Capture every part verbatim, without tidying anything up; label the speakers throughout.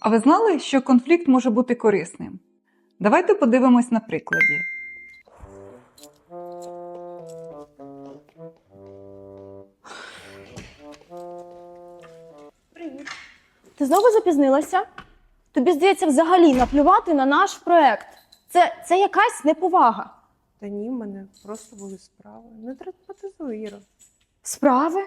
Speaker 1: А ви знали, що конфлікт може бути корисним? Давайте подивимось на прикладі.
Speaker 2: Привіт. Ти знову запізнилася? Тобі, здається, взагалі наплювати на наш проект. Це, це якась неповага.
Speaker 3: Та ні, в мене просто були справи. Не драматизуй, Іро.
Speaker 2: Справи?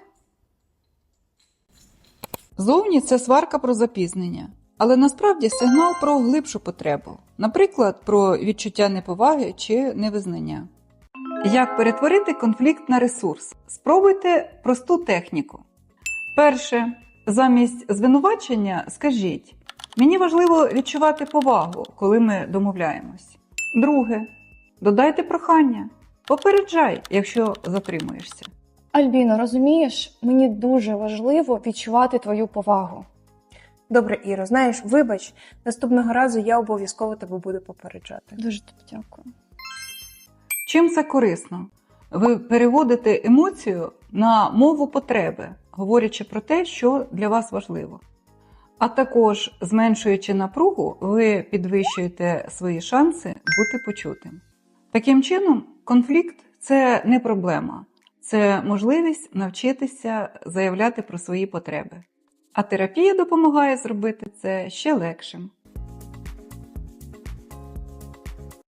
Speaker 1: Зовні це сварка про запізнення, але насправді сигнал про глибшу потребу, наприклад, про відчуття неповаги чи невизнання. Як перетворити конфлікт на ресурс? Спробуйте просту техніку. Перше. Замість звинувачення скажіть: «Мені важливо відчувати повагу, коли ми домовляємось». Друге. Додайте прохання. Попереджай, якщо затримуєшся.
Speaker 2: Альбіно, розумієш, мені дуже важливо відчувати твою повагу.
Speaker 3: Добре, Іро, знаєш, вибач, наступного разу я обов'язково тебе буду попереджати.
Speaker 2: Дуже тобі дякую.
Speaker 1: Чим це корисно? Ви переводите емоцію на мову потреби, говорячи про те, що для вас важливо. А також, зменшуючи напругу, ви підвищуєте свої шанси бути почутим. Таким чином, конфлікт – це не проблема, це можливість навчитися заявляти про свої потреби. А терапія допомагає зробити це ще легшим.